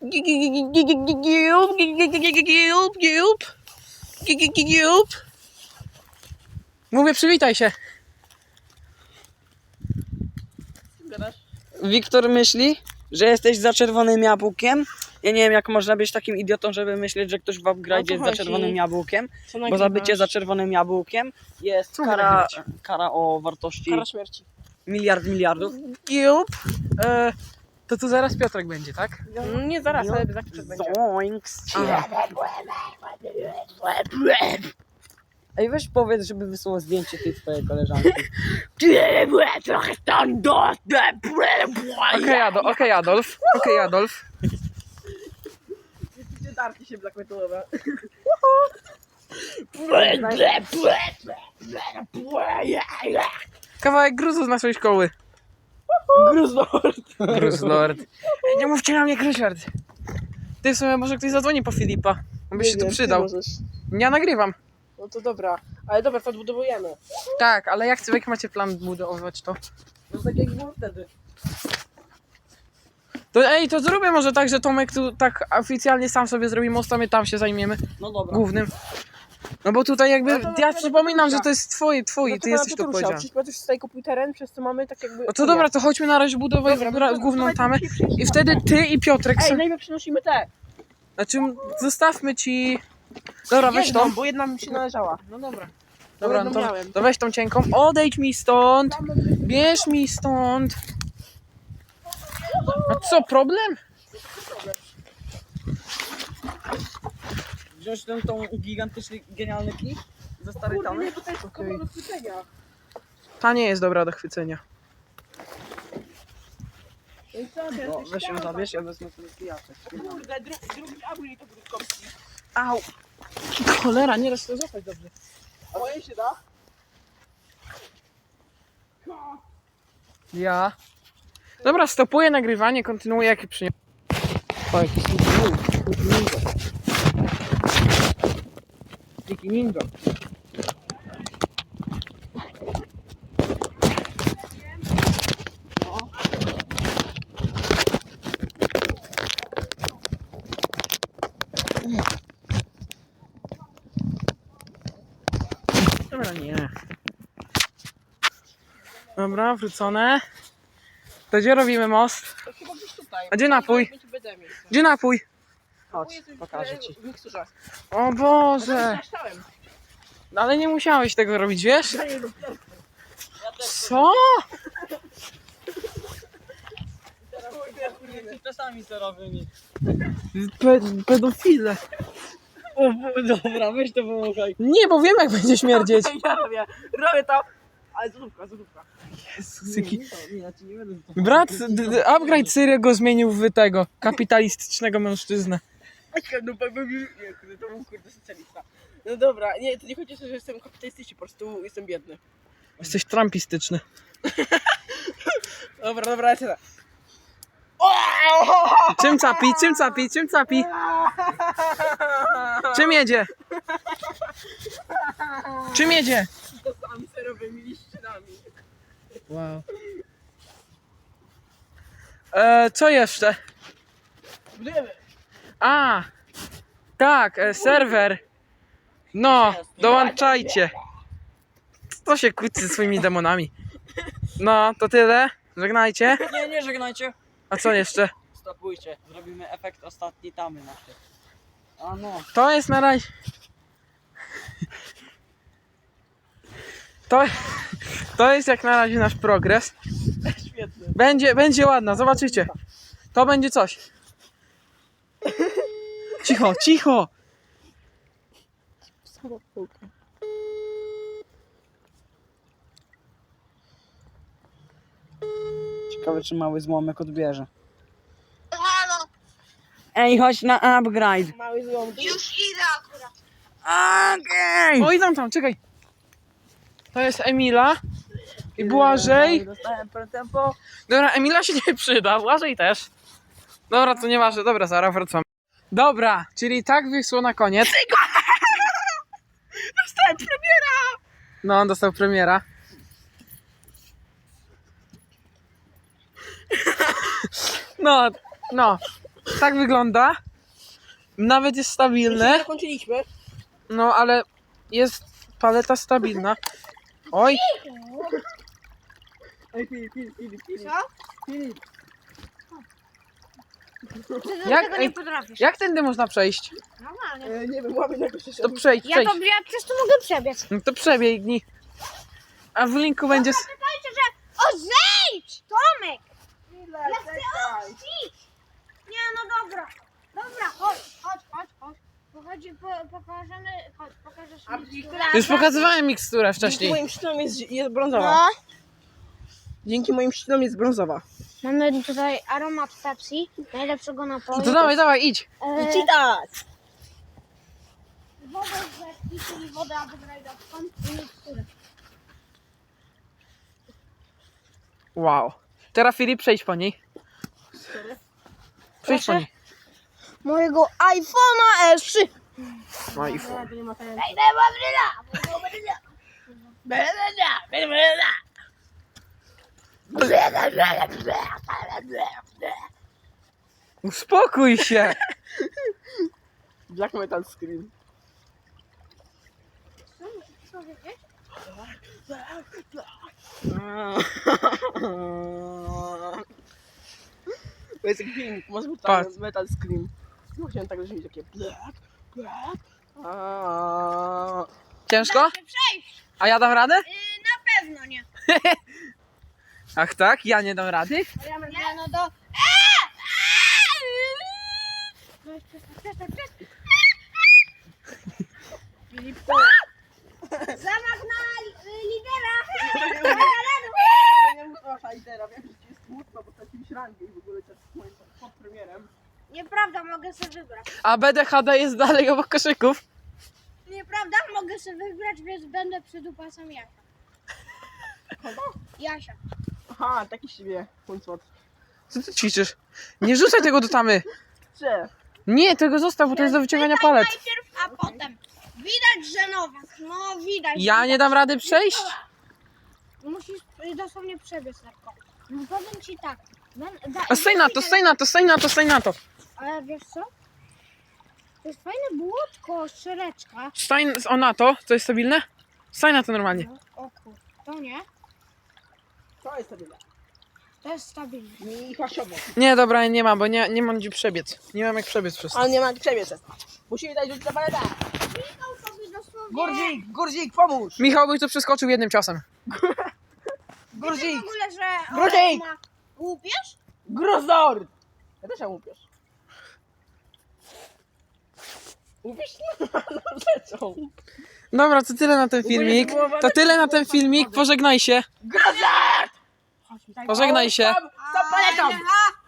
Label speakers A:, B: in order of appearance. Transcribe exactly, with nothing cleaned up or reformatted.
A: Mówię, przywitaj się.
B: Wiktor myśli, że jesteś za czerwonym jabłkiem. Ja nie wiem, jak można być takim idiotą, żeby myśleć, że ktoś w upgrade jest za czerwonym jabłkiem. Bo za bycie za czerwonym jabłkiem jest kara, kara o wartości
A: Kara śmierci.
B: miliard miliardów.
A: Giup. E, to tu zaraz Piotrek będzie, tak? Nie zaraz, ale za chwilę będzie.
B: Zoinks.
A: Aha.
B: Ej, weź powiedz, żeby wysłał zdjęcie tej twojej koleżanki.
A: Okej, Adolf. Okej, Adolf. Okej, Adolf.
C: Darki się black metalowe.
A: Kawałek gruzu z naszej szkoły.
B: Gruznord.
A: Gruslord. Ej, nie mówcie na mnie Gruslord. Ty w sumie może ktoś zadzwoni po Filipa. On by się tu przydał. Ja nagrywam.
C: No to dobra, ale dobra, to odbudowujemy.
A: Tak, ale jak, jak macie plan budować to?
C: No tak jak było wtedy.
A: To ej, to zrobię może tak, że Tomek tu tak oficjalnie sam sobie zrobi most, a my tam się zajmiemy.
B: No dobra.
A: Głównym. No bo tutaj jakby,
C: No to
A: ja
C: nawet
A: przypominam,
C: rusza.
A: że to jest twój, twój,
C: No
A: ty
C: to
A: jesteś tu
C: tu
A: powiedziany.
C: Przecież już tutaj kupuj teren, przez co mamy tak jakby...
A: No to dobra, to chodźmy na razie budować
C: Dobra,
A: gra-
C: no to-
A: główną
C: dawaj,
A: tamę
C: to musi przyjść
A: i
C: na
A: wtedy ty i Piotrek
C: Ej,
A: są...
C: najpierw przynosimy te.
A: Znaczy, zostawmy ci... Dobra, weź
C: Jedną,
A: tą.
C: bo jedna mi się należała.
A: No dobra.
C: Bo
A: Dobra,
C: jedną
A: no to,
C: miałem.
A: to weź tą cienką, odejdź mi stąd, bierz mi stąd. A co, problem?
B: Wziąć ten tą gigantyczny, genialny kij ze starej
C: Kurde,
B: tamy.
C: nie, bo to jest
A: Okej.
C: okay. do chwycenia.
A: Ta nie jest dobra do chwycenia.
C: No i co, teraz
B: No,
C: już
B: weź ją
C: chciałam.
B: zabierz, ja wezmę ten kijaczek.
C: Kurde, dru drugi upgrade to krótkowski.
A: Au. Cholera, nie da się to złapać dobrze.
C: A moje się da?
A: Ja. Dobra, stopuję nagrywanie, kontynuuję jak przyniosę. O, jakiś ninja. Jaki ninja. Dobra, nie. Dobra, wrócone. To gdzie robimy most?
C: To chyba gdzieś tutaj.
A: A gdzie napój?
C: Będzie będę miejsce.
A: Gdzie napój?
B: Chodź, pokażę ci.
C: W miksturze.
A: O Boże!
C: Zaszczałem.
A: No ale nie musiałeś tego robić, wiesz? Co?
B: Czasami serowymi.
A: Pe pedofile.
B: O, dobra, weź to pomagaj.
A: Nie, bo wiem jak będzie śmierdzieć.
C: Ja robię, robię to. Ale złówka, złówka.
A: Jaki...
B: Nie, ja ci nie będę to
A: Brat, d- d- upgrade Syry go zmienił w tego kapitalistycznego mężczyznę.
C: No bo nie, kurde, to był kurde socjalista. No dobra, nie, to nie chodzi o to, że jestem kapitalistyczny, po prostu jestem biedny.
A: Jesteś trumpistyczny.
C: Dobra, dobra, lecę tak.
A: Czym capi? Czym capi? Czym capi? Czym jedzie? Czym jedzie?
C: Czasami serowymi liścinami.
A: Wow. E, co jeszcze?
C: Budujemy.
A: A, tak, e, serwer. No, dołączajcie. Co się kłóci ze swoimi demonami? No, to tyle. Żegnajcie.
B: Nie, nie żegnajcie.
A: A co jeszcze?
B: Stopujcie, zrobimy efekt ostatniej tamy naszej. A no.
A: To jest na razie... To, to jest jak na razie nasz progres.
C: Świetny.
A: Będzie, będzie ładna, zobaczycie. To będzie coś. Cicho, cicho.
B: Ciekawe, czy mały złomek odbierze.
D: Halo,
B: Ej, chodź na upgrade.
C: Mały złom.
D: już idę akurat.
B: Okej.
A: Oj, tam, tam, czekaj. To jest Emila. I Błażej.
B: Dostałem tempo.
A: Dobra, Emila się nie przyda, Błażej też. Dobra, to nieważne, dobra, zaraz wracam. Dobra, czyli tak wyszło na koniec.
C: Dostałem premiera!
A: No, on dostał premiera. No, no. Tak wygląda. Nawet jest
C: My
A: stabilne.
C: zakończyliśmy.
A: No ale jest paleta stabilna. Oj,
C: Ej, Filip, Filip, Filip, Filip.
D: Co?
C: Filip.
D: Ty do
A: Jak-
D: tego
A: ej,
D: nie potrafisz.
A: jak tędy można przejść?
D: Normalnie.
C: E, nie wiem, łamy na jakoś
A: To przejdź,
D: Ja
A: przejdź.
D: to ja przez to mogę przebiec.
A: No to przebiegnij. A w linku będzie... s-
D: Pamiętajcie, że... O, zejdź! Tomek!
C: Chwilę,
D: Ja chcę
C: czekaj.
D: odcić! Nie, no dobra. Dobra, chodź, chodź, chodź, chodź. Pochodzi, po, pokażemy... Chodź, pokażesz
C: A
D: mi
C: widzisz,
D: które-
A: Już pokazywałem miksturę
C: Dzięki
A: wcześniej.
C: moim szczynom jest, jest brązowa.
D: No.
C: Dzięki moim szczynom jest brązowa.
D: Mamy tutaj aromat Pepsi, najlepszego napoju.
A: To dawaj, dawaj, idź.
D: E,
C: I tak.
D: wodę z rzeki, czyli wodę upgrade'owską i miksturę.
A: Wow. Teraz Filip, przejdź po niej. Przejdź po
D: Proszę?
A: niej.
D: Mojego iPhone'a S trzy.
A: No i
D: Ej, daj babryla!
A: Uspokój się.
C: Black Metal Scream.
D: Co wiecie?
C: To jest taki filmik, może być
A: Patrz.
C: tam Metal Scream. No chciałem tak brzmieć takie black, black. Aaaa.
A: Ciężko?
D: Da się przejść.
A: A ja dam radę?
D: Y, na pewno nie.
A: Ach tak? Ja nie dam rady?
D: Nie, no to... Eee! Eee! Przestań, przestań.
C: Filip,
D: Zamach na li- lidera.
C: to nie mów wasza lidera, wiem, że ci jest smutno, bo straciłeś rangę i w ogóle też z moim podpremierem.
D: Nieprawda, mogę sobie wybrać.
A: A B D H D jest dalej obok koszyków.
D: Nieprawda, mogę sobie wybrać, więc będę przydupasem Jasia. Jasia.
C: Aha, taki z siebie huncwot.
A: Co ty ćwiczysz? Nie rzucaj tego do tamy.
C: Cze.
A: Nie, tego zostaw, bo to jest do wyciągania palet.
D: Najpierw, a potem. Widać, że Nowak. No widać.
A: Ja nie dam rady przejść?
D: Musisz y, dosłownie przebiec lekko. No powiem ci tak. Ben, da,
A: A staj na to, staj na to, staj na to, staj na to.
D: Ale wiesz co? To jest fajne błotko, szczereczka.
A: Staj o na to, to jest stabilne? Staj na to normalnie.
D: No, o kur... To nie.
C: To jest stabilne.
D: To jest stabilne.
C: I hasiowo.
A: Nie, dobra, nie mam, bo nie, nie mam gdzie przebiec. Nie mam jak przebiec przez to.
C: Ale nie ma przebiec. Musimy dać rzut na paletę.
D: Klikał sobie dosłownie.
C: Gurdzik, Gurdzik, pomóż.
A: Michał by to przeskoczył jednym ciosem.
D: Wiecie
C: Gurdzik,
D: w ogóle, że
C: Grudzik!
D: ma łupież?
C: Grozor. Ja też mam łupiesz. Łupiesz? No, rzeczą.
A: Dobra, to tyle na ten filmik. To tyle na ten filmik. Pożegnaj się.
C: Grozor!
A: Pożegnaj się.
C: Stop, stop paletą.
D: Aha,